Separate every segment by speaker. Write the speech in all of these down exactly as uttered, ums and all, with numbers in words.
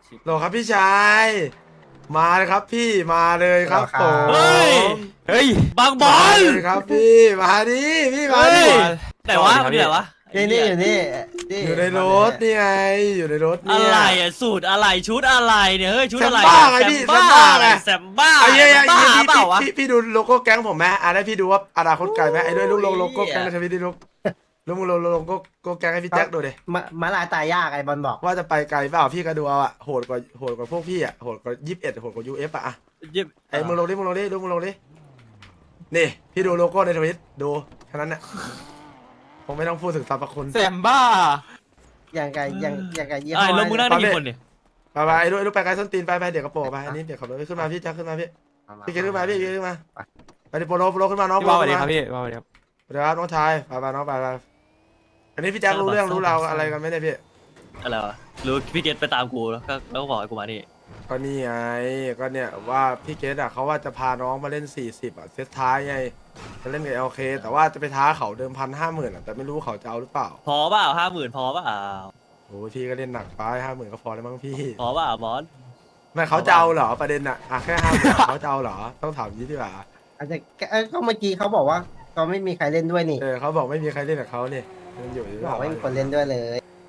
Speaker 1: โหลครับพี่ชายมาเลยครับพี่มาเลยครับผม
Speaker 2: เฮ้ย
Speaker 3: เฮ้ย
Speaker 2: บางบอ
Speaker 1: มา
Speaker 2: ล
Speaker 1: เลยครับพี่มาดิพี่มา
Speaker 2: เฮ้
Speaker 1: ดิ
Speaker 2: ยไหนวะมันอยู่ไหนวะ
Speaker 3: นี่นี่อยู่นี่นี่
Speaker 1: อยู่ในรถนี่ไงอยู่ในรถเนี่
Speaker 2: อะ
Speaker 1: ย
Speaker 2: ไรอ่ะสูตรอะไรชุดอะไรเนี่ยเฮ้ยชุดอะไร
Speaker 1: แซมบ้าไงพี่
Speaker 2: แซม
Speaker 1: แซมบ้า
Speaker 2: บ้า
Speaker 1: ไง
Speaker 2: แซมบ้า
Speaker 1: ไอ้เหี้ย
Speaker 2: แซม
Speaker 1: ไอ้
Speaker 2: บ้า
Speaker 1: เหี้ย
Speaker 2: เปล่าวะ
Speaker 1: พี่พี่ดูโลโก้แก๊งผมไหมอ่ะได้พี่ดูว่าอนาคตไกลไหมไอ้ด้วยลูกโลโก้แก๊งในทวิตดิลูกลูกมึงโลโลโก้โก้แก๊งให้พี่แจ็คดูดิ
Speaker 3: มามาลายตายยากไอ้บอลบอก
Speaker 1: ว่าจะไปไกลเปล่าพี่ก็ดูเอาอะโหดกว่าโหดกว่าพวกพี่อะโหดกว่ายี่สิบเอ็ดโหดกว่ายูเอฟอะอะ
Speaker 2: เยี่ยม
Speaker 1: ไอ้มึงลงดิมึงลงดิลูกมึงลงดินี่พี่ดูโลโก้ในทวิตดูแค่นั้นน่ะผมไม่ต้องพูดถึงสรรพคุณ
Speaker 4: แซมบ้า
Speaker 3: อย่างไงอย่างอย่างไงยี่ห้
Speaker 2: ไอ้
Speaker 3: อ
Speaker 2: ลงมึงนั่งได้กี่คนเนี่ย
Speaker 1: ไปไปไอ้ด้วยไอ้ลูกไปไกลส้นตีนไปไปเดี๋ยวกระโปรงไปอันนี้เดี๋ยวขับรถขึ้นมาพี่แจ็คขึ้นมาพี่พี่เกขึ้นมาพี่เกขึ้นมาไปดิโปโลโปโลขึ้นมาน้อง
Speaker 4: พี่
Speaker 1: โป
Speaker 4: บอ
Speaker 1: โล
Speaker 4: ลสวัสดี
Speaker 1: ขึ้น
Speaker 4: ค
Speaker 1: มา
Speaker 4: รับพี่บอลสวัสดีครับ
Speaker 1: เดี๋ยวครับน้องชายไปไปน้องไปไปอันนี้พี่แจ็ครู้เรื่องรู้ราวอะไรกันไหมเนี่ยพี่
Speaker 2: อะไรวะรู้พี่เกตไปตามกูแล้วก็แล้วก็บอกให้กูมานี่
Speaker 1: ก็นี่ไงก็เนี่ยว่าพี่เกดอะเขาว่าจะพาน้องมาเล่นสี่สิบอะเซตท้ายไงจะเล่นกับเอลเคแต่ว่าจะไปท้าเขาเดิมพันห้าหมื่นอะแต่ไม่รู้เขาจะเอาหรือเปล่า
Speaker 2: พอเปล่าห้าหมื่นพอเปล่า
Speaker 1: โอ้ยพี่ก็เล่นหนักไปห้าหมื่นก็พอแล้วมั้งพี่
Speaker 2: พอเปล่าบอล
Speaker 1: ไม่เขาจะเอาเหรอประเด็นอะอะแค่ห้าหมื่นเขาจะเอาเหรอต้องถามยี่ดีกว่า
Speaker 3: อาจจะเอ้ยก็เมื่อกี้เขาบอกว่าเขาไม่มีใครเล่นด้วยนี่
Speaker 1: เออเขาบอกไม่มีใครเล่นกับเขาเนี่ยมันอยู่หรือเป
Speaker 3: บอ
Speaker 1: ล่าก
Speaker 3: ไม่มีคนเล่นด้วยเลย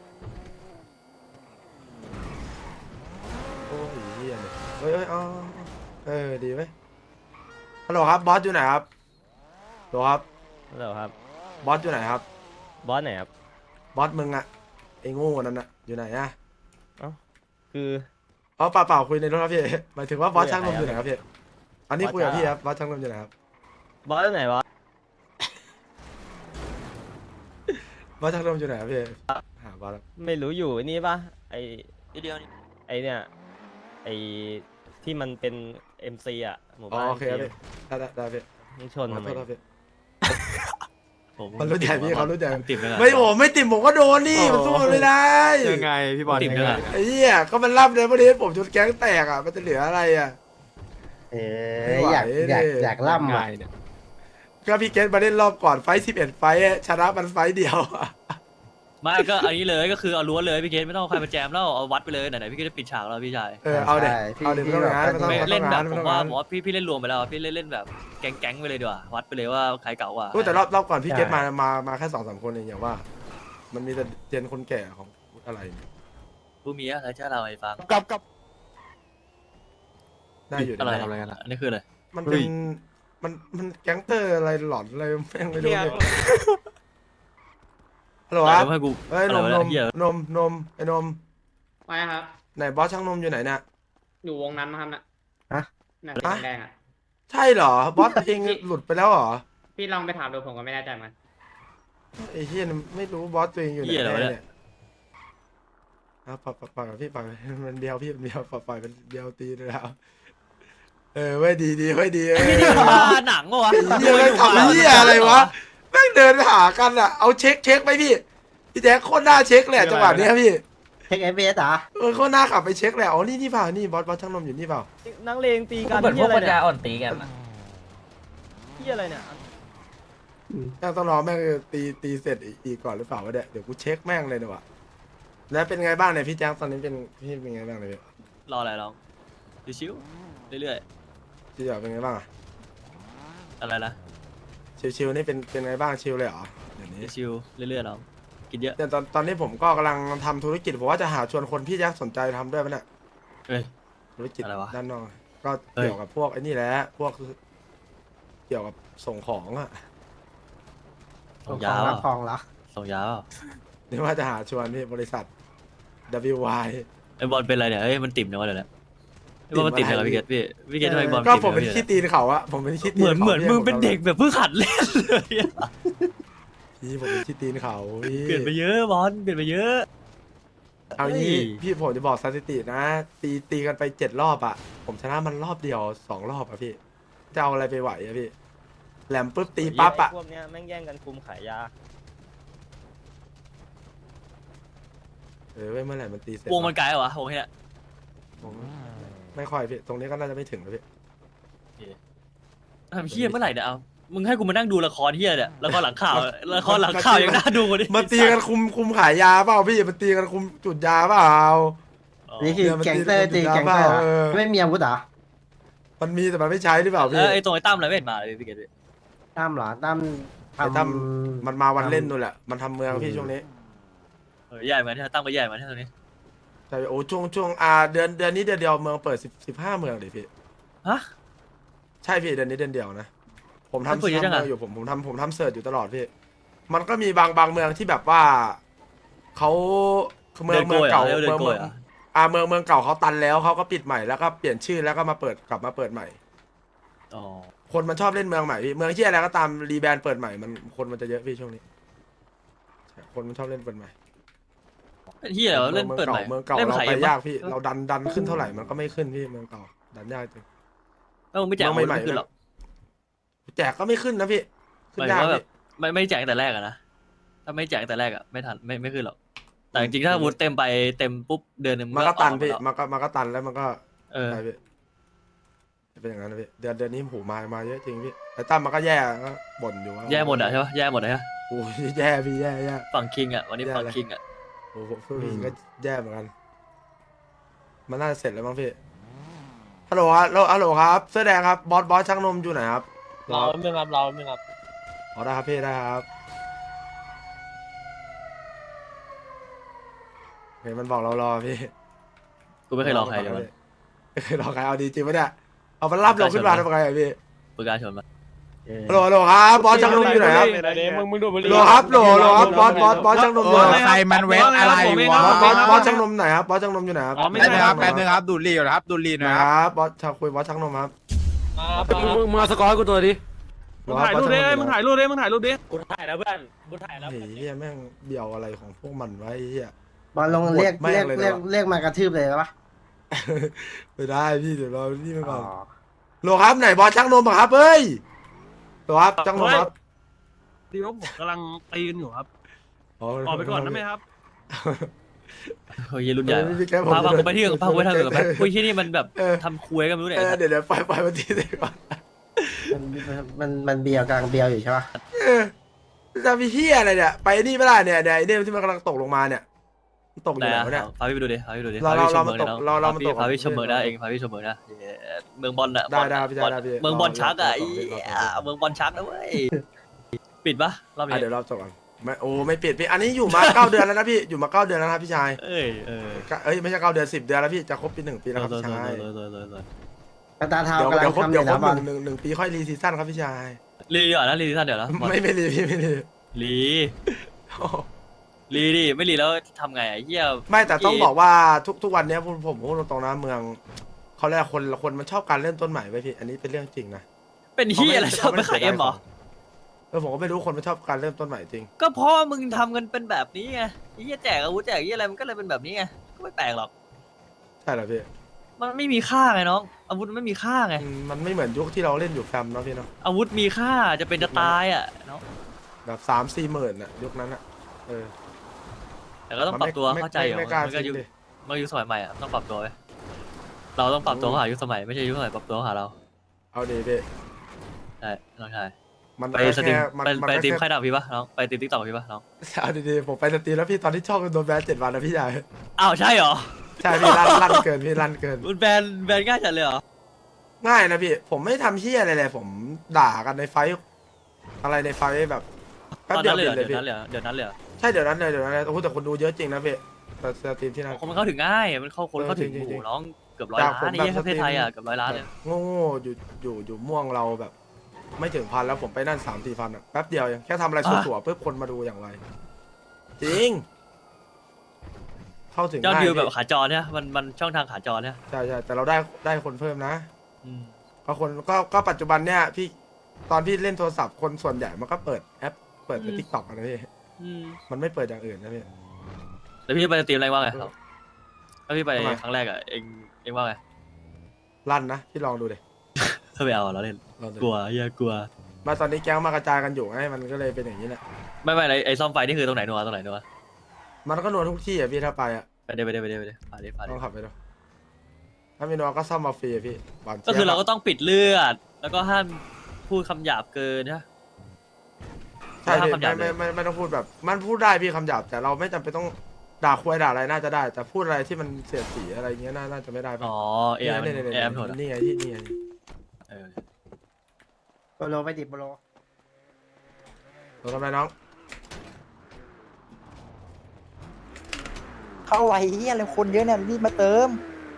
Speaker 1: โอ้ยเฮียเลยเฮ้ยเฮ้ยอ๋อเออดีไหมฮัลโหลครับบอสอยู่ไหนครับฮัลโหลครับ
Speaker 5: ฮัลโหลครับ
Speaker 1: บอสอยู่ไหนครับ
Speaker 5: บอสไหนครับ
Speaker 1: บอสมึงอะไอ้โง่นั่นอะอยู่ไหนอะ
Speaker 5: คือ
Speaker 1: อ๋อเปล่าเปล่าคุยในรถครับพี่หมายถึงว่าบอสช่างนม
Speaker 5: คุ
Speaker 1: อย ยู่ไหน
Speaker 5: กับใคร
Speaker 1: ครับพี่อันนี้
Speaker 5: บอส
Speaker 1: คุยกับพี่
Speaker 5: จ้า
Speaker 1: ครับบอสช่างนมอยู่ไหนครับ
Speaker 5: บอสไหนวะ
Speaker 1: บอสช่างนมอยู่ไหนครับพี่หาบอสครับ
Speaker 5: ไม่รู้อยู่ไอ้นี่ปะไอ
Speaker 2: ทีเดียวนี่
Speaker 5: ไอเนี่ยไอที่มันเป็น เอ็ม ซี อ่ะหมู่
Speaker 1: อ๋อ
Speaker 5: บ้าน
Speaker 1: โอเคครับ
Speaker 5: เอ็
Speaker 1: พี่
Speaker 5: ม
Speaker 1: ได้ได้ได้พี่
Speaker 5: ซีมึงชน
Speaker 1: ขอ
Speaker 5: ทำไม
Speaker 1: โทษครับพี่
Speaker 2: ผม
Speaker 1: เขารู้ใจพี่เขารู้ใจ
Speaker 2: ผมติดไปก่อน
Speaker 1: ไม่ผมไม่ติดผมก็โดนนี่มันสู้ไม่ได้
Speaker 4: ยังไงพี่บอล
Speaker 2: ติ่ม
Speaker 4: ยัง
Speaker 2: เล
Speaker 4: ไง
Speaker 2: ย
Speaker 1: ไอ้เหี้ยก็มันรับเลยพอดีผมจนแก๊งแตกอ่ะมันจะเหลืออะไรอ่ะ
Speaker 3: เอออยาก
Speaker 1: ไม่ไหว
Speaker 3: อยาก
Speaker 1: ดิ
Speaker 3: อยาก
Speaker 4: ยัง
Speaker 3: ล่ำ
Speaker 4: ไง
Speaker 3: อ่ะ
Speaker 4: เนี่ย
Speaker 1: ก็พี่เกตมาเล่นรอบก่อนไฟสิบเอ็ดไฟท์ชนะมันไฟท์เดียวอะ
Speaker 2: ไม่ก็อันนี้เลยก็คือเอาล้วนเลยพี่เกตไม่ต้องเอาใครมาแจมแล้วเอาวัดไปเลยไหนๆพี่เกตจะปิดฉากแล้วพี่ชาย
Speaker 1: เออเอาเด็
Speaker 3: ใช่พี่
Speaker 1: เอาเด็ไม่
Speaker 3: พี่
Speaker 1: ต้องงาน
Speaker 3: แบบ
Speaker 1: ไม่ต้อง
Speaker 2: ไม่
Speaker 1: ไม่ต้
Speaker 2: เล่
Speaker 1: อน ง
Speaker 2: แบ
Speaker 1: งาน
Speaker 2: บ
Speaker 1: ไม่
Speaker 2: ผ
Speaker 1: ต้อ
Speaker 2: ม
Speaker 1: ง
Speaker 2: ว่าง
Speaker 1: าน
Speaker 2: ผมว่าพี่พี่เล่นรวมไปแล้วพี่เล่นเล่นแบบแก๊งแก๊งๆไปเลยดีกว่าวัดไปเลยว่าใครเก่ากว่า
Speaker 1: พูดแต่รอบรอบก่อนพี่เกตมามามาแค่สองสามคนเองอย่างว่า มันมีแต่เจนคนแก่ของอะไรเนี่ย
Speaker 2: ผู้มีอะไรจะเล่าให้ฟัง
Speaker 4: กับกับ
Speaker 1: ได้อยู่
Speaker 2: อะไร
Speaker 1: นะ
Speaker 4: ทำอะไรกันอะ
Speaker 2: อันนี้คืออะไร
Speaker 1: มันเป็นมันมันแก๊งเตอร์อะไรหลอนอะไรแม่งไม่รู้เลยฮัลโหลครับ
Speaker 2: ให้กู
Speaker 1: เฮ้ยนม
Speaker 2: อะไร
Speaker 1: น
Speaker 2: วะ
Speaker 1: ม
Speaker 2: เหี้ย
Speaker 1: นมนมไอ้นม
Speaker 6: ไม่ครับ
Speaker 1: ไหนบอสช่างนมอยู่ไหนเนี่ย
Speaker 6: อยู่วงนั้นนะครับน่ะ
Speaker 3: ฮะ
Speaker 6: น่ะสีแดงๆอ่ะ
Speaker 1: ใช่เหรอบอสเองหลุดไปแล้วเหรอ
Speaker 6: พี่ลองไปถามดูผมก็ไม่แน่ใจเหมือนกัน
Speaker 1: ไอ้เฮียไม่รู้บอสตัวเองอยู่ไหน
Speaker 2: เหี้ยอะไรวะ
Speaker 1: แน่
Speaker 2: เนี่ย
Speaker 1: เนี่ยอ่ะปล่อยปล่อยปล่อยกับพี่ปล่อยมันเดียวพี่มันเดียวปล่อยปล่อยมันเดียวตีเลยแล้วเออไว้ยดีดีไว้ยดีเออ
Speaker 2: หนังวะ
Speaker 1: เฮียแม่งทำเฮียอะไรวะแม่งเดินหากันอ่ะเอาเช็คเช็คไปพี่พี่แจ๊คโคตรน่าเช็คเลยอะจังหวะเนี้ยพี่
Speaker 3: เทคเอฟเอสอ่ะ
Speaker 1: เออโคตรน่าขับไปเช็คเลยอ๋อนี่นี่เปล่านี่บอสบอสช่างนมอยู่นี่เปล่า
Speaker 5: นังเลงตีกัน
Speaker 7: เหมือนพ
Speaker 5: ที่
Speaker 7: วก
Speaker 5: อะไร
Speaker 7: ปัญ
Speaker 5: เนี่
Speaker 7: ญาย อ่อนตีกันอะ
Speaker 5: ที่อะไรเนี่ย
Speaker 1: แม่งต้องรอแม่งตีตีเสร็จอีกก่อนหรือเปล่าวะเนี่ยเดี๋ยวกูเช็คแม่งเลยดีกว่าแล้วเป็นไงบ้างเนี่ยพี่แจ๊คตอนนี้เป็นพี่เป็นไงบ้างเลยพี่
Speaker 2: รออะไรลองชิวๆเรื่อย
Speaker 1: พี่จ๋าเป็นไงบ้างอะ
Speaker 2: ๆอะไรนะ
Speaker 1: ชิวๆนี่เป็นเป็นไงบ้างชิวเลยเหรอเดี๋ยวนี้
Speaker 2: ชิวๆเรื่อยๆลองกินเยอะ
Speaker 1: เนี่ยตอนตอนนี้ผมก็กำลังทำธุรกิจผมว่าจะหาชวนคนพี่แจ๊คสนใจทำด้วยปะเนี่ย
Speaker 2: เอ้ย
Speaker 1: ธุรกิจ
Speaker 2: อะไรวะ
Speaker 1: ด้านนอกก็
Speaker 2: เอ้ย
Speaker 1: เกี่ยวกับพวกไอ้นี่แหละพวกเกี่ยวกับส่งของอะ
Speaker 2: ส่ง
Speaker 3: ข
Speaker 2: ยา
Speaker 3: อง
Speaker 2: เป
Speaker 3: รั
Speaker 2: ล่า
Speaker 3: บของเหรอ
Speaker 2: ส่งยาเปล่า
Speaker 1: นี่ว่าจะหาชวนพี่บริษัท ดับเบิลยู วาย
Speaker 2: ไอ้บอลเป็นอะไรเนี่ยเอ้ยมันติ่มนะวะเดี๋ยวนี้ไอ้บอลมันติ่มยังไงพี่เกตพี่พี่เกตทำไมบอล
Speaker 1: ก็
Speaker 2: ติ่ม
Speaker 1: ผมเป็น
Speaker 2: ยังไง
Speaker 1: ขี้ตีนเขาอะผมเป็นขี้ตี
Speaker 2: เห
Speaker 1: น
Speaker 2: มือน
Speaker 1: ขา
Speaker 2: เหมือนมึงเป็น
Speaker 1: พี่
Speaker 2: เด็กแบบเพิ่งหัดเล่นเลยอะ
Speaker 1: พี่ผมเป็นขี้ตีนเขาพี่
Speaker 2: เปลี่ยนไปเยอะบอลเปลี่ยนไปเยอะ
Speaker 1: เอางี้
Speaker 2: เฮ้ย
Speaker 1: พี่ผมจะบอกสถิตินะ ตีตีกันไปเจ็ดรอบอะผมชนะมันรอบเดียวสองรอบอะพี่จะเอาอะไรไปไหวอะพี่แหลมปุ๊บตีปั๊บอะ
Speaker 5: ไพวกเนี้ยแม่งแย่งกันคุมขายยา
Speaker 1: เออเว้ยเมื่อไหร่มันตีเสร็จ
Speaker 2: วงมันไกลเหรอวะวงเนี้ย
Speaker 1: ผมไม่ค่อยพี่ตรงนี้ก็น่าจะไม่ถึงนะพี่
Speaker 2: ทำเฮี้ยเมื่อไหร่เนี่ยเอามึงให้กูมานั่งดูละครเฮี้ยเนี่ยละครหลังข่าวละครหลังข่าวยังน่าดูกว่านี้
Speaker 1: มันตีกันคุมคุมขายยาเปล่าพี่มันตีกันคุมจุดยาเปล่า
Speaker 2: อ๋อ
Speaker 3: อันนี่คือแก๊งเตอร์ตีแก๊งเตอร์เหรอ
Speaker 1: เออ
Speaker 3: ไม่มีอาวุธเหรอ
Speaker 1: มันมีแต่มันไม่ใช้หรือเปล่า
Speaker 2: เอ
Speaker 1: พี่
Speaker 2: อไอตรงไอ้ตั้มอะไรไม่เห็นมาเลยพี่เกด
Speaker 3: ตั้มเหรอตั้ม
Speaker 1: ไอ้ตั้ม
Speaker 3: ทำ
Speaker 1: มันมาวันเล่นนู่นแหละมันทำเมืองพี่ช่วงนี้
Speaker 2: เออใหญ่เหมือนที่ตั้มก็ใหญ่เหมือนที่ตรงนี้
Speaker 1: ใช่โอ้ช่วงช่วงอ่าเดือนเดือนนี้เดือนเดียวเมืองเปิดสิบสิบห้าเมืองดิพี่
Speaker 2: ฮะ
Speaker 1: ใช่พี่เดือนนี้เดือนเดียวนะผม
Speaker 2: มัน
Speaker 1: ทำ
Speaker 2: เปิดเยอะจัง
Speaker 1: ทำ
Speaker 2: อะ
Speaker 1: เมืองอยู่ผมผมทำผมทำเสิร์ชอยู่ตลอดพี่มันก็มีบางบางเมืองที่แบบว่าเขาเมือง
Speaker 2: เดิน
Speaker 1: เมื
Speaker 2: โก
Speaker 1: อง
Speaker 2: ยเหรอ
Speaker 1: เก่า
Speaker 2: เรียกว่าเดิ
Speaker 1: เมือน ง
Speaker 2: โก
Speaker 1: เมื
Speaker 2: ย
Speaker 1: อง
Speaker 2: เหรอ
Speaker 1: อ่าเมืองเมืองเก่าเขาตันแล้วเขาก็ปิดใหม่แล้วก็เปลี่ยนชื่อแล้วก็มาเปิดกลับมาเปิดใหม่
Speaker 2: อ๋อ
Speaker 1: คนมันชอบเล่นเมืองใหม่พี่เมืองที่อะไรก็ตามรีแบรนด์เปิดใหม่มันคนมันจะเยอะพี่ช่วงนี้ใช่คนมันชอบเล่นเปิดใหม่
Speaker 2: เป็นที่อะไรวะเล่นเปิดใหม่
Speaker 1: เมืองเก่า
Speaker 2: เล่น
Speaker 1: เรา
Speaker 2: ขาย
Speaker 1: ไป
Speaker 2: เอ็ม
Speaker 1: ยา
Speaker 2: ปะ
Speaker 1: กพี่เราดันดันขึ้นเท่าไหร่มันก็ไม่ขึ้นพี่เมืองเก่าดันยากจริง
Speaker 2: แล้วมึงไม่แจก
Speaker 1: เมือง
Speaker 2: ไม่
Speaker 1: ใหม่ๆ
Speaker 2: ขึ้นหรอก
Speaker 1: แจกก็ไม่ขึ้นนะพี่
Speaker 2: ห
Speaker 1: ขึ้น
Speaker 2: มายถึ
Speaker 1: ยาง ก
Speaker 2: ว่าแบ
Speaker 1: พี่
Speaker 2: บไม่ไม่แจกแต่แรกอะนะถ้าไม่แจกแต่แรกอะไม่ทันไม่ไม่ขึ้นหรอกแต่จริงๆถ้าวุฒิเต็มไปเต็มปุ๊บเดือนหนึง
Speaker 1: มันก็ตัน
Speaker 2: ออ
Speaker 1: พี่
Speaker 2: หมดแล้ว
Speaker 1: มันก็มันก็ตันแล้วมันก็
Speaker 2: เออ
Speaker 1: ใช่พี่จะเป็นอย่างนั้นนะพี่เดือนเดือนนี้หูมามาเยอะจริงพี่ไอ้ตั้มมันก็แย่ก็บ่นอยู่ว่า
Speaker 2: แย่หมดอะใช่ปะแย่หมดเลยฮะ
Speaker 1: โอ้ยแย่พี่แย่แย่
Speaker 2: ฝั่งคิงอะวันนี้
Speaker 1: แย่
Speaker 2: ฝั่ง
Speaker 1: เลย
Speaker 2: คิงอะ
Speaker 1: โอ้โหพวกนี้ก็แย่เหมือนกัน มันน่าจะเสร็จแล้วมั้งพี่ฮัลโหลครับฮัลโหลครับเสื้อแดงครับบอสบอสช่างนมอยู่ไหนครับ
Speaker 5: เราไม่รับเราไม่รับ
Speaker 1: อ๋อได้ครับพี่ได้ครับเห็นมันบอกเรารอพี่
Speaker 2: กูไม่เคยรอใครเลยมัน
Speaker 1: ไม่เคยรอใครเอาดีจริงปะเนี่ยเอามันรับเราขึ้นมาทำไงอะพี่
Speaker 2: ปืนการชนมา
Speaker 1: ฮัลโหลฮัลโหลครับบอสช่างนมอยู่ไหนครับ
Speaker 5: มึงมึงดูดบุห
Speaker 1: ฮัล
Speaker 5: รี่
Speaker 1: โหลครับฮัลโหลฮัลโหลครับบอสบอสบอสช่างนมอยู่ไหน
Speaker 4: ใครมันเว็บอะไรวะ
Speaker 1: บอสบอสบอสช่างนมไหนครับบอสช่างนมอยู่ไหนครับ
Speaker 4: แป๊บนึงครับแป๊บนึงครับดูดรีอยู่นะครับดูดรีห
Speaker 1: นะ
Speaker 4: นะ
Speaker 1: ค
Speaker 4: ครับ
Speaker 1: รับบอสชาวคุยบอสช่างนมครับ
Speaker 5: มึงมึงเอาสกอร์ให้กูตัวดิ
Speaker 1: มึงถ่ายรูปดิมึงถ่ายรูป
Speaker 5: ดิมึงถ่ายรูปดิกูถ่ายแล้วเพื่อนกูถ่ายแล้ว
Speaker 1: เฮ้ยเฮียแม่งเบี่ยวอะไรของพวกมันไวะไอ้เฮีย
Speaker 3: บอลลงเรียก
Speaker 1: แม่ง
Speaker 3: เรียก
Speaker 1: เลย
Speaker 3: เรียก
Speaker 1: เนอะ
Speaker 3: เรียกมากระทืบเลยปะ
Speaker 1: ไม่ได้พี่เดี๋ยวเรานี่ไปก่อน
Speaker 3: อ๋อ
Speaker 1: โหลครับไหนบอสช่างนมอะครับเฮ้ยโหลครับช่างนมครับ
Speaker 7: ดีว่าผมกำลังตีกันอยู่ครับ
Speaker 1: อ
Speaker 7: ออกไปก่อนได้ไหมครับ
Speaker 2: เฮ้ยรุ่นใหญ่
Speaker 1: เออพี่แกผม
Speaker 2: พาพากูไปที่อื่นพากูไปทางอื่นไป
Speaker 1: เออ
Speaker 2: คุยที่นี่มันแบบ
Speaker 1: เออ
Speaker 2: ทำคุยกันไม่รู้เนี่ย
Speaker 1: เออเดี๋ยวเดี๋ยวไปไปวันที่ไหนก่อน
Speaker 3: มันมันมันเบียวกลางเบียวอยู่ใช่ปะ
Speaker 1: เออจะมีเฮียอะไรเนี่ยไปนี่ไม่ได้เนี่ยเนี่ยไอ้เนี่ยที่มันกำลังตกลงมาเนี่ยมันตกอ
Speaker 2: ไหน
Speaker 1: ยู่ไหน
Speaker 2: อะ
Speaker 1: วะเนี่ย
Speaker 2: พาพี่ไปดูดิพาพี่ไปดูดิ
Speaker 1: เรา
Speaker 2: พาพี่ช
Speaker 1: เรา
Speaker 2: มเมือง
Speaker 1: เรา
Speaker 2: เลย
Speaker 1: เรา
Speaker 2: น้อง
Speaker 1: เรา
Speaker 2: พาพี่
Speaker 1: เรา
Speaker 2: พาพี่ชมเมืองได้
Speaker 1: เรา
Speaker 2: เองพาพี่ชมเมืองนะเย้เมืองบอลอะ
Speaker 1: ได้
Speaker 2: บอล
Speaker 1: ได้พี่
Speaker 2: บอล
Speaker 1: ได้พี่
Speaker 2: เมืองบอลชักอะ
Speaker 1: เรา
Speaker 2: ไอ้
Speaker 1: เราเรา
Speaker 2: เมืองบอลชักนะเว้ยปิดปะรอบ
Speaker 1: อ่ะ
Speaker 2: นี้
Speaker 1: เดี๋ยวเราจบกันไม่โอ้ไม่ปิดพี่อันนี้อยู่มา เก้าเดือนแล้วนะพี่อยู่มาเก้าเดือนแล้วนะพี่ชาย
Speaker 2: เอ้ยเออ
Speaker 1: ก็เอ้ยไม่ใช่เก้าเดือนสิบเดือนแล้วพี่จะครบปีหนึ่งปีแล้วครับ
Speaker 2: โด
Speaker 1: พี่
Speaker 2: น
Speaker 1: ชาย
Speaker 2: โดนโดนโดนโดน
Speaker 3: กระตาเท้า
Speaker 1: เดี๋ยว
Speaker 3: กำลั
Speaker 1: เดี๋ย
Speaker 3: ง
Speaker 1: วครบ
Speaker 3: ทำอ
Speaker 1: เดี๋ยว
Speaker 3: ยู่
Speaker 1: ครบหนึ่งหนึ่งห
Speaker 3: นะบอล
Speaker 1: นึ่งปีค่อยรีซีซั่นครับพี่ชาย
Speaker 2: รีดีกว่านะรีดีท่านเดี๋ยวนะบอล
Speaker 1: ไม่ไม่รีพี่ไม่รี
Speaker 2: รีรีดิไม่รีแล้วทำไงอะเหี้ย
Speaker 1: ไม่แต่ต้องบอกว่าทุกทุกวันเนี้ยผมผมพูดตรงๆนะเมืองเขาเรียกคนคนมันชอบการเริ่มต้นใหม่ไปพี่อันนี้เป็นเรื่องจริงนะ
Speaker 2: เป็นเหี้ยอะไรชอบไปขายเอ็มเหรอ
Speaker 1: เออผมก็ไม่รู้คนมันชอบการเริ่มต้นใหม่จริง
Speaker 2: ก็เพราะว่ามึงทำกันเป็นแบบนี้ไงไอ้เหี้ยแจกอาวุธแจกเหี้ยอะไรมันก็เลยเป็นแบบนี้ไงก็ไม่แปลกหรอก
Speaker 1: ใช่เหรอพี่
Speaker 2: มันไม่มีค่าไงน้องอาวุธมันไม่มีค่าไง
Speaker 1: อืมมันไม่เหมือนยุคที่เราเล่นอยู่แฟมเนาะพี่เนาะ
Speaker 2: อาวุธมีค่าจะเป็นจะตายอ่ะเนาะ
Speaker 1: แบบสามสี่หมื่นอะยุคนั้นอะเออ
Speaker 2: แต่ก็ต้องปรับตัว
Speaker 1: ไม่
Speaker 2: เข้าใจ
Speaker 1: ไม่
Speaker 2: อยู่
Speaker 1: ไม่กล้า
Speaker 2: มันก็
Speaker 1: ซื้
Speaker 2: ยุ
Speaker 1: อ
Speaker 2: ค
Speaker 1: ดิ
Speaker 2: มันก็ยุคสมัยใหม่อ่ะต้องปรับตัวไว้เราต้องปรับตัวเข้าหายุคสมัยไม่ใช่ยุคสมัยปรับตัวเข้าหาเรา
Speaker 1: เอาดีพี่
Speaker 2: ใช่น้องชาย
Speaker 1: มัน
Speaker 2: ไปสตรีม
Speaker 1: แค่มัน
Speaker 2: ไป
Speaker 1: มัน
Speaker 2: ไป
Speaker 1: ก็
Speaker 2: สตรีม
Speaker 1: แค่
Speaker 2: ค่ายดาวพี่ปะน้องไปสตรีมติ๊กต็อกพี่ปะน้อง
Speaker 1: เอาดีๆผมไปสตรีมแล้วพี่ตอนที่ช่องโดนแบนเจ็ดวันนะพี่ใหญ่
Speaker 2: อ้าวใช่เหรอ
Speaker 1: ใช่พี่ลั่นลั่นเกินพี่ลั่นเกิน
Speaker 2: มันแบนแบนง่ายจัดเลยเหรอ
Speaker 1: ง่ายนะพี่ ผมไม่ทำเฮี้ยอะไรเลยผมด่ากันในไฟท์อะไรในไฟท์แบบแป๊บ
Speaker 2: ตอน
Speaker 1: เดีย
Speaker 2: นั้
Speaker 1: วน
Speaker 2: เลย
Speaker 1: ปิ
Speaker 2: เหร
Speaker 1: ด
Speaker 2: อ
Speaker 1: เลย
Speaker 2: เดี๋ยว
Speaker 1: พี่
Speaker 2: นั้นเลยเหรอเดี๋ยวนั้นเลยเหรอ
Speaker 1: ใช่เดี๋ยวนั้นเลยเดี๋ยวนั้นเลยโอ้โหแต่คนดูเยอะจริงนะพี่แต่สตรีมที่นั่น
Speaker 2: คนมันเข้าถึงง่ายมันเข้าคน
Speaker 1: เออ
Speaker 2: เข้าถึง
Speaker 1: จริงๆ
Speaker 2: โอ้โห
Speaker 1: จริงๆ
Speaker 2: น้องเกือบร้อย
Speaker 1: จาก
Speaker 2: ล้า
Speaker 1: ผม
Speaker 2: นนี่
Speaker 1: แบบ
Speaker 2: ประเทศไทย
Speaker 1: สตรีม
Speaker 2: อ่ะเกือบร้อยล้านเลย
Speaker 1: โง่ๆอยู่อยู่อยู่ม่วงเราแบบ ไม่ถึงพันแล้วผมไปนั่นสามสี่พันอะแป๊บเดียวยังแค่ทำอะไรสัวๆปุ๊บคนมาดูอย่างไรจริง เข้าถึง
Speaker 2: ยอด
Speaker 1: ง่าย
Speaker 2: วิวแบบ
Speaker 1: พี่
Speaker 2: ขาจรเนี่ยมันมันช่องทางขาจรเนี่ย
Speaker 1: ใช่ใช่แต่เราได้ได้คนเพิ่มนะ
Speaker 2: อืม
Speaker 1: ก็คนก็ก็ปัจจุบันเนี่ยพี่ตอนพี่เล่นโทรศัพท์คนส่วนใหญ่มันก็เปิดแอปเปิดในทิกตอกนะพี่
Speaker 2: อืม
Speaker 1: มันไม่เปิดอย่างอื่นนะพี่
Speaker 2: แล้วพี่ไปสตรีมอะไรว่าไงครับแล้วพี่ไป
Speaker 1: ทำไม
Speaker 2: ครั้งแรกอ่ะเองเองว่าไง
Speaker 1: ลั่นนะพี่ลองดูดิ
Speaker 2: ถ้าไม่เอาเราเล่น
Speaker 1: ลองดู
Speaker 2: กลัวเฮียกลัว
Speaker 1: มาตอนนี้แก๊งมากระจายกันอยู่ไงมันก็เลยเป็นอย่างนี้แหละ
Speaker 2: ไม่ไม่ไอ้ไอ้ซ่อมไฟนี่คือตรงไหนนัวตรงไหนนัว
Speaker 1: มันก็นวลทุกที่อ่ะพี่ถ้าไปอ่ะ
Speaker 2: ไปเดี๋ยวไปเดี๋ยวไปเดี๋ยวไปเดี๋ยวไปเดี๋ยวไป
Speaker 1: ต้
Speaker 2: เดี๋
Speaker 1: อง
Speaker 2: ยว
Speaker 1: ขับไปดูถ้ามีนวลก็ซ่อมมาฟรีอะพี่บน
Speaker 2: ก็คือ
Speaker 1: จี๊ยบ
Speaker 2: เราก็ต้องปิดเลือด แล้วก็ห้ามพูดคำหยาบเกินนะ
Speaker 1: ใช่
Speaker 2: ห้าม
Speaker 1: พี่
Speaker 2: คำหยาบเล
Speaker 1: ไม่
Speaker 2: ย
Speaker 1: ไม่ไม่ไม่ต้องพูดแบบ มันพูดได้พี่คำหยาบแต่เราไม่จำเป็นต้องด่าคุยด่าอะไรน่าจะได้ แต่พูดอะไรที่มันเสียดสีอะไรเงี้ยน่าน่าจะไม่ได้ปะ
Speaker 2: อ๋อเอไอมัน
Speaker 1: เนี่ยเนี่ย
Speaker 2: เอ
Speaker 1: เนี่ย
Speaker 2: ไอมันโหดอะ
Speaker 1: นี่ไงที่นี่ไง
Speaker 2: เออ
Speaker 3: โปโลไปดิโปโล
Speaker 1: เราทำไรน้อง
Speaker 8: เข้าไว้เฮียอะไรคนเยอะเนี่ยรีบมาเติม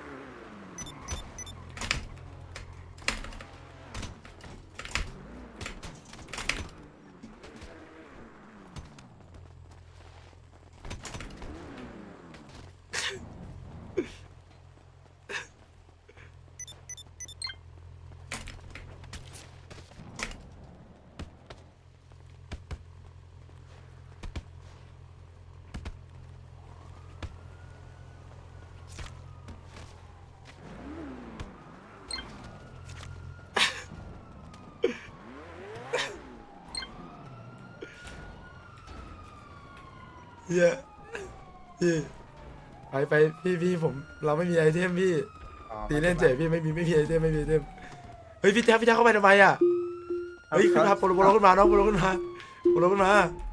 Speaker 1: เฮียพี่ไปไปพี่พี่ผมเราไม่มีไอเทมพี่ตีเล่นเจ๋พี่ไม่มีไม่มีไอเทมไม่มีไอเทมเฮ้ยพี่แจ๊คพี่แจ๊คเข้าไปทำไมอ่ะเฮ้ยขึ้นมาโปรโลโปรโลขึ้นมาน้องโปรโลขึ้นมาโปรโลขึ้นมา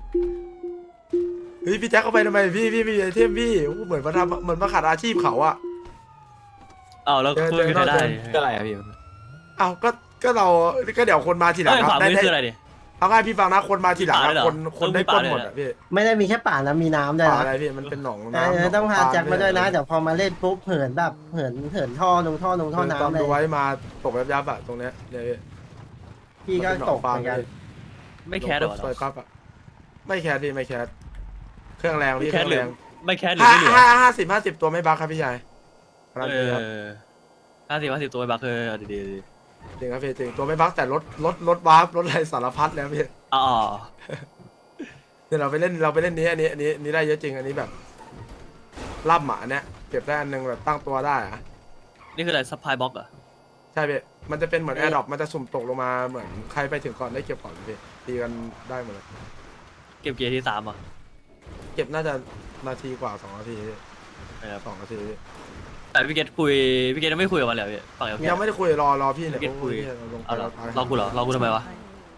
Speaker 1: เฮ้ยพี่แจ๊คเข้าไปทำไมพี่พี่ไม่มีไอเทมพี่โอ้โหเหมือนมาทำเหมือนมาขาดอาชีพเขาอ่ะ
Speaker 2: อ้าวแล้ว
Speaker 1: เจอ
Speaker 2: คุย
Speaker 1: เจอ
Speaker 2: กันได้
Speaker 1: เจอ
Speaker 2: ก็อะไรอะพี่
Speaker 1: อ้าวก็ก็เราก็เดี๋ยวคนมาทีหลัง
Speaker 2: เอ้ย
Speaker 1: ค
Speaker 2: ข
Speaker 1: รั
Speaker 2: วา
Speaker 1: บได้
Speaker 2: มือ
Speaker 1: ได้
Speaker 2: คืออะไรดิ
Speaker 1: เอาง่ายพี่ฟังนะคนมาทีหลัง
Speaker 2: มีป่าด้วยเหรอ
Speaker 1: คนคนได้
Speaker 2: มี
Speaker 1: ป
Speaker 2: ป่า
Speaker 1: ล้น
Speaker 2: ด้วย
Speaker 1: หมด
Speaker 2: เหรอ
Speaker 1: อ่ะพี่
Speaker 3: ไม่ได้มีแค่ป่านะมีน้ำด้วย
Speaker 1: ป่า
Speaker 3: นะ
Speaker 1: อะไรพี่มันเป็นหนอง
Speaker 3: เอ
Speaker 1: น้ำ
Speaker 3: อ
Speaker 1: หน
Speaker 3: ต้องพา
Speaker 1: ปล
Speaker 3: แจ็คมาด้วยนะ
Speaker 1: เ
Speaker 3: เดี๋ยวพอมาเล่นปุ๊บเหินแบบเหินเหินท่อลงท่อลงท่อ
Speaker 1: ตอ
Speaker 3: น้ำ
Speaker 1: น
Speaker 3: เล
Speaker 1: ดูไว้
Speaker 3: ย
Speaker 1: มาตกยับยับๆอะตรงเนี้ยเนี่ยพี่
Speaker 3: พี่ก็ตกเหมือนกัน
Speaker 2: ไม่แคสหรอ
Speaker 1: ซอยปั๊บอะไม่แคสพี่ไม่แคสเครื่องแรงพี่
Speaker 2: ไม่
Speaker 1: เค
Speaker 2: แค
Speaker 1: รื่
Speaker 2: ส
Speaker 1: อง
Speaker 2: หรื
Speaker 1: แร
Speaker 2: อง ไม่แคสหรือ
Speaker 1: ห้า
Speaker 2: ไม่เหลือ
Speaker 1: ห้าห้าสิบห้าสิบตัวไม่บักครับพี่ชายการัน
Speaker 2: เอ
Speaker 1: ตีครับ
Speaker 2: อห้าสิบห้าสิบตัวไปบักคือเอาดีๆดี
Speaker 1: จริงครับพี่จริงตัวไม่บักแต่รถรถรถวาร์ปรถอะไรสารพัดแล้วพี่
Speaker 2: ๆอ๋อ
Speaker 1: เนี่ยเราไปเล่นเราไปเล่นนี้อันนี้อันนี้อันนี้ได้เยอะจริงอันนี้แบบล่ำหมาเนี่ยเก็บได้อันหนึงแบบตั้งตัวได้อะ
Speaker 2: นี่คืออะไรซัพพลายบ็อกเหรอ
Speaker 1: ใช่พี่มันจะเป็นเหมือนแอร์ดรอปมันจะสุ่มตกลงมาเหมือนใครไปถึงก่อนได้เก็บก่อนพี่ตีกันได้หมดเลย
Speaker 2: เก็บเกียร์ที่สามอ่ะ
Speaker 1: เก็บน่าจะนาทีกว่าสองนาทีพี่
Speaker 2: นะครับ
Speaker 1: สองนาทีพี่
Speaker 2: แต่พี่เกตคุยพี่เกตยังไม่คุยกับมันเลยเหรอพี่ฝั่งเอล
Speaker 1: ยังไม่ได้คุยรอรอพี่เนี่ย
Speaker 2: พี่เกตคุย
Speaker 1: โอ้เราลงไป
Speaker 2: เอาเหรอ
Speaker 1: เราตาย
Speaker 2: รอกูเหรอรอกูทำไมวะ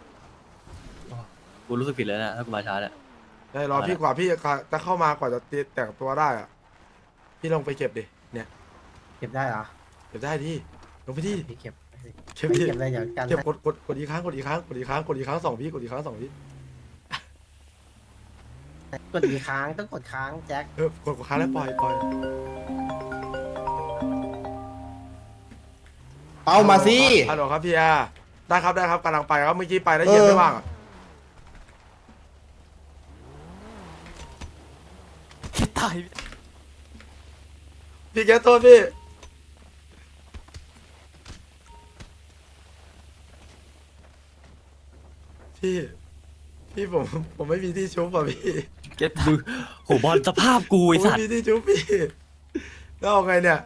Speaker 2: กูรู้สึกผิดเลยนะถ้ากูมาช้าเนี่ย
Speaker 1: ใช่รอพี่กว่าพี่จะเข้ามากว่าจะตีแต่งตัวได้อะพี่ลงไปเก็บดิเนี่ย
Speaker 3: เก็บได้เหรอ
Speaker 1: เก็บได้ดิลงไปดิ
Speaker 3: พี่เก็บ
Speaker 1: เก็บ
Speaker 3: ไม่
Speaker 1: ดิ
Speaker 3: เก็บอะไรอย่างกัน
Speaker 1: เก็บกดกดกดอีกครั้งกดอีกครั้งกดอีกครั้งกดอีกครั้งสองพี่กดอีกครั้งสองพี่
Speaker 3: กดกี่ครั้งต้องกดค้างแจ็ค
Speaker 1: เออกดกดครั้งแล้วปล่อยปล่อย
Speaker 4: เอามาสิ
Speaker 1: ฮัลโหลครับพี่อาได้ครับได้ครับกำลังไปครับเมื่อกี้ไปแล้วเย็นไม่ว่างอะตายพี่แกโทษพี่พี่พี่ผมผมไม่มีที่ชุบอ่ะพี่
Speaker 2: เกตดูโหบอลสภาพกู
Speaker 1: ผม
Speaker 2: ไอสั
Speaker 1: ไม่
Speaker 2: ตว์
Speaker 1: มีที่ชุบพี่แล้วเอาไงเนี่ย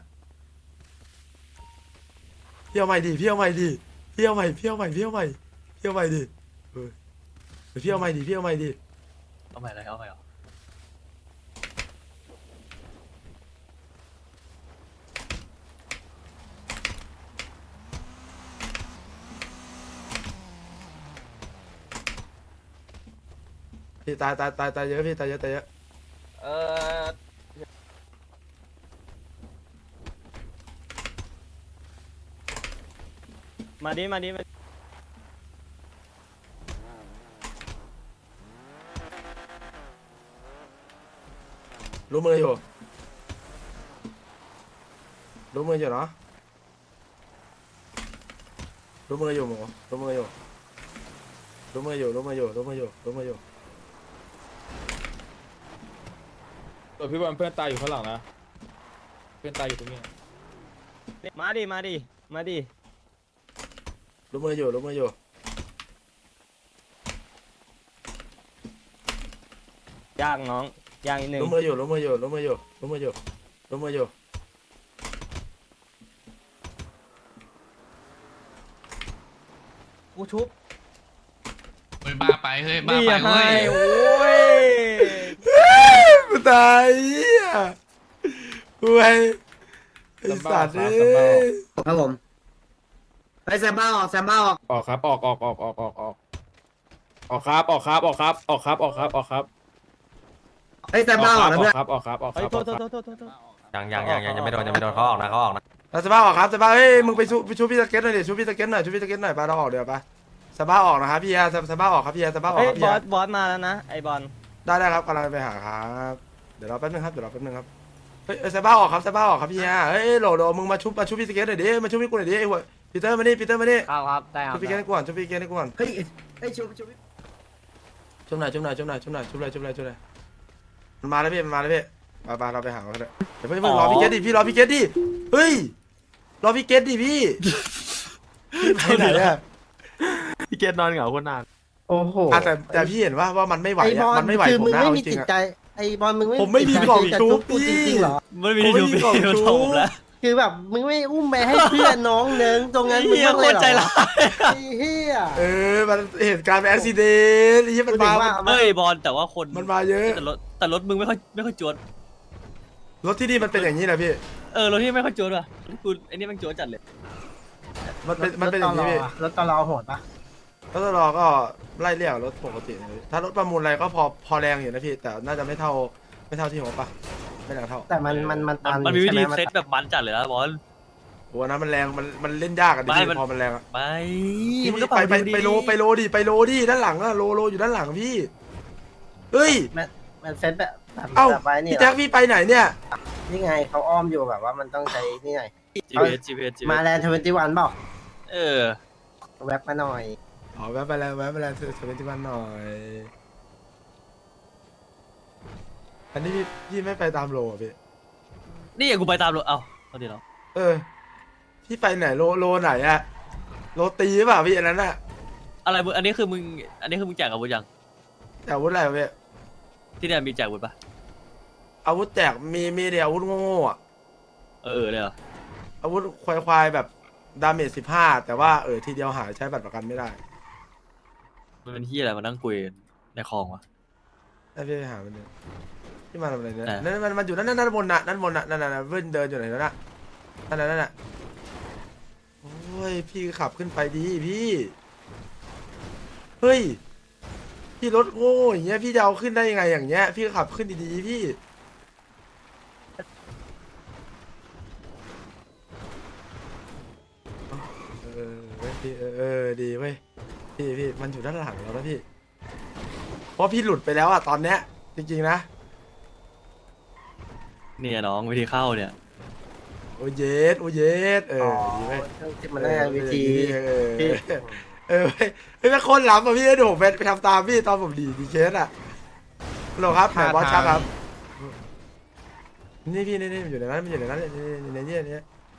Speaker 1: พี่เอาใหม่ดิพี่เอาใหม่ดิพี่เอาใหม่พี่เอาใหม่พี่เอาใหม่พี่เอาใหม่ดิเออพี่เอาใหม่ดิพี่เอาใหม่ดิ
Speaker 2: เอาใหม่เลยเอาใหม่เหรอ
Speaker 1: พี่ตายตายตายตายเยอะพี่ตายเยอะตายเยอะ
Speaker 5: เออ มาดิมาดิมา
Speaker 1: รู้มืออยู่รู้มืออยู่เนาะรู้มืออยู่หมูรู้มืออยู่รู้มืออยู่รู้มืออยู่รู้มืออยู่รู้มืออยู่
Speaker 4: ตัวพี่บอลเพื่อนตายอยู่ข้างหลังนะ เพื่อนตายอยู่ตรงนี้
Speaker 5: มาดิมาดิมาดิ
Speaker 1: รู้มืออยู่รู้มืออยู่
Speaker 5: ย่างน้องย่างอีกหนึ่ง
Speaker 1: รู้มืออยู่รู้มืออยู่รู้มืออยู่รู้มืออยู่รู้มืออยู่
Speaker 3: กูชุบ
Speaker 9: เฮ้ยบ้าไปเฮ้ยบ้า
Speaker 5: นี่
Speaker 9: ไป
Speaker 5: ให้
Speaker 9: เว้ย
Speaker 5: โอ้ย
Speaker 1: กูตายเหี้ยกูไอ้ไอ้สัตว์เอ้ย
Speaker 3: ครับผมไปแซมบ้าออกแซมบ้าออก
Speaker 4: ออกครับ ออกออกออกออกออกออกออกครับ ออกครับ ออกครับ ออกครับ ออกครับ ออกครับ
Speaker 3: เฮ้ยแต่บ้าเหรอนะเพื่อน
Speaker 4: ครับออกครับออกค
Speaker 5: เฮ้ย
Speaker 4: รับ
Speaker 5: โท
Speaker 4: อ
Speaker 5: ษ
Speaker 4: อก
Speaker 5: โท
Speaker 4: ค
Speaker 5: ษ
Speaker 4: รับ
Speaker 5: โทษโทษโทษ
Speaker 10: ยังยังยังยังยังไม่โดนยังไม่โดนเขาออกนะเขาออกนะ
Speaker 1: แล้วสบ้าออกครับสบ้าเฮ้ยมึงไปชูไปชูพี่สเก็ตหน่อยดิชูพี่สเก็ตหน่อยชูพี่สเก็ตหน่อยไปเราออกเดี๋ยวไปสบ้าออกนะครับพี่แอร์สบ้าออกครับพี่แอร์สบ้าออก
Speaker 5: เฮ้ย
Speaker 1: ครับ
Speaker 5: บ
Speaker 1: พี่
Speaker 5: อ
Speaker 1: แอ
Speaker 5: ส
Speaker 1: ร์
Speaker 5: บอสมาแล้วนะไอบอล
Speaker 1: ได้ได้ครับกำลังไปหาครับเดี๋ยวรอแป๊บนึงครับเดี๋ยวรอแป๊บนึงครับเฮ้ยสบ้าออกครับสบ้าออกครับพี่แอร์เฮ้ยโหลโหลมึงมาชุบมาชุบพี่สเก็ตหน่อยดิมาชุบพี่กูหน่อยดิไอ้หัวปีเตอร์มานี่ปีเตอร์มานี่
Speaker 6: ครับครับได้ครั
Speaker 1: ชุ
Speaker 6: บบ
Speaker 1: พี่เก็ตให้กูก่อนชุบพี่เก็ตให้กูก่อน
Speaker 3: เฮ้ยเฮ้ยชูชู
Speaker 1: ชุบหน่อยชุบหน่อยชุบหน่อยชุบหน่อยชุบเลยชุบเลยชุบเลยมันมาแล้วพี่มันมาแล้วพี่ไปไปเราไปหาเขาเถอะเดี๋ยวเพิ่งเพิ่งรอพี่เก็ตดิพี่รอพี่เก็ตดิเฮ้ยรอพี่เก็ตดิพี่พี่ไปไหนอะ
Speaker 10: พี่เกตนอนเหงาคนนาน
Speaker 3: โอ้โห
Speaker 1: อ่ะแต่แต่พี่เห็นว่าว่ามันไม่ไหว
Speaker 3: ไอบ
Speaker 1: อะ
Speaker 3: อล
Speaker 1: มันไม่ไหว
Speaker 3: คือ
Speaker 1: ผม
Speaker 3: มึง
Speaker 1: นะ
Speaker 3: ไม่
Speaker 1: เอาจ
Speaker 3: มี
Speaker 1: ริ
Speaker 3: จิ
Speaker 1: ง
Speaker 3: ต
Speaker 1: ๆ
Speaker 3: ใจ
Speaker 1: อะ
Speaker 3: ไอบอลมึงไม่
Speaker 1: ผมไม่มี
Speaker 3: จิตใจ
Speaker 1: กล่อง
Speaker 3: ที่จะ
Speaker 1: ชุบ
Speaker 3: กูจ
Speaker 1: พี่
Speaker 3: ริงๆเหรอ
Speaker 2: มันไม่ได้
Speaker 1: ผมไม่
Speaker 2: ดู
Speaker 1: มีกล่อง
Speaker 2: พี่มัน
Speaker 1: ชู
Speaker 2: โทรผมแล้ว
Speaker 3: คือแบบมึงไม่อุ้มไปให้เพื่อนน้องเนึงตรงนั้นมึง
Speaker 2: เฮีย
Speaker 3: บ้าง
Speaker 2: โค
Speaker 3: เลย
Speaker 2: ตร
Speaker 3: เหรอ
Speaker 2: ใจร้าย
Speaker 3: ไอ้เฮีย
Speaker 1: เออมันเหตุการณ์เป็นอุบิเหตุที่มัน
Speaker 3: กูถึ
Speaker 1: มาง
Speaker 3: ว่า
Speaker 2: เฮ้ยบอลแต่ว่าคน
Speaker 1: มันมาเยอะ
Speaker 2: แต่รถแต่รถมึงไม่ค่อยไม่ค่อยจวด
Speaker 1: รถที่นี่มันเป็นอย่างนี้นะพี่
Speaker 2: เออรถที่ไม่ค่อยจวดว่ะกูไอ้นี่มันจวดจัดเลย
Speaker 1: มันเป็นมันเป็นอย่างนี้พี่
Speaker 3: รถตลอโหดปะ
Speaker 1: รถตลอก็ไล่เรียกรถปกตินะพี่ถ้ารถประมูลอะไรก็พอพอแรงอยู่นะพี่ แต่น่าจะไม่เท่าไม่เท่าที่ผมปะไม่แรงเท่า
Speaker 3: แต่มันมันมัน
Speaker 2: มัน
Speaker 3: ตัน
Speaker 2: มันมีวิธี
Speaker 3: ใช่ไห
Speaker 2: เซตแบบมันจัดเลยนะบอล
Speaker 1: โอ้อันนั้นมันแรงมันมันเล่นยากอะดิ
Speaker 2: ไม่
Speaker 1: พี่
Speaker 2: มัน
Speaker 1: พอมันแรงอะ
Speaker 2: ไป
Speaker 1: พี่
Speaker 2: มันก็
Speaker 1: ไปไป
Speaker 2: ดูดี
Speaker 1: ไปโลไปโลดิไปโลดิด้านหลังอะโลโลอยู่ด้านหลังพี่เฮ้ย
Speaker 3: มันเซตแบบแบบ
Speaker 1: เอ้า
Speaker 3: แบบไว้นี่
Speaker 1: พี่
Speaker 3: เหร
Speaker 1: แจ็
Speaker 3: อ
Speaker 1: คพี่ไปไหนเนี่ย
Speaker 3: นี่ไงเขาอ้อมอยู่แบบว่ามันต้องใช้นี่ไง
Speaker 2: จีพีเอสจีพีเอส
Speaker 3: มาแลนด์ทเวนตี้วันเปล่า
Speaker 2: เออ
Speaker 3: แวบมาหน่อย
Speaker 1: อ๋อแวะไปแล้วแวะไปแล้วเซเว่นที่บ้านหน่อยอันนี้พี่พี่ไม่ไปตามโลอะพี่
Speaker 2: นี่อย่ากูไปตามรถเอ้าเอาดีแล้ว
Speaker 1: เออพี่ไปไหนโลโลไหนอะโลตีหรือเปล่าพี่อันนั้นอะ
Speaker 2: อะไรมึงอันนี้คือมึงอันนี้คือมึงแจกอาวุธยัง
Speaker 1: แต่อาวุธอะไรวะพี่
Speaker 2: ที่เนี่ยมีแจกอาวุธปะ
Speaker 1: อาวุธแจกมีมีเดียวอาวุธโง่ๆอะ
Speaker 2: เออเออเลยเหรอ
Speaker 1: อาวุธควายๆแบบดาเมจสิบห้าแต่ว่าเออทีเดียวหายใช้บัตรประกันไม่ได้
Speaker 2: มันเป็นที่อะไรมานั่งคุยในคลองวะ
Speaker 1: ไอ้พี่ไปหามันเนี่ยที่มาทำอะไรเนี่ย
Speaker 2: ไหน
Speaker 1: นั่นมันมันอยู่นั่นนั่นนั่นบนน่ะนั่นบนน่ะนั่นน่ะนั่นเว้นเดินอยู่ไหนแล้วน่ะนั่นน่ะนั่นน่ะโอ้ยพี่ขับขึ้นไปดีพี่เฮ้ยพี่รถโง่อย่างเงี้ยพี่จะเอาขึ้นได้ยังไงอย่างเงี้ยพี่ขับขึ้นดีๆพี่เออเว้ยพี่เออเออดีเว้ยพี่พี่มันอยู่ด้านหลังเราแล้วพี่เพราะพี่หลุดไปแล้วอะตอนเนี้ยจริงๆนะ
Speaker 2: เนี่ยน้องวิธีเข้าเนี่ย
Speaker 1: โอเยสโอเยสเออดีเว้ย
Speaker 3: มันได้วิธี
Speaker 1: เออเออเออเฮ้ยเฮ้ยแม่งโคนล้ำอ่ะพี่เดี๋ยวผมไปไปทำตามพี่ตอนผมดีดีเคสอ่ะฮัลโหลครับไหนบอสครับครับ นี่พี่นี่นี่มันอยู่ในนั้นมันอยู่ในนั้นนี่นี่นี่นี่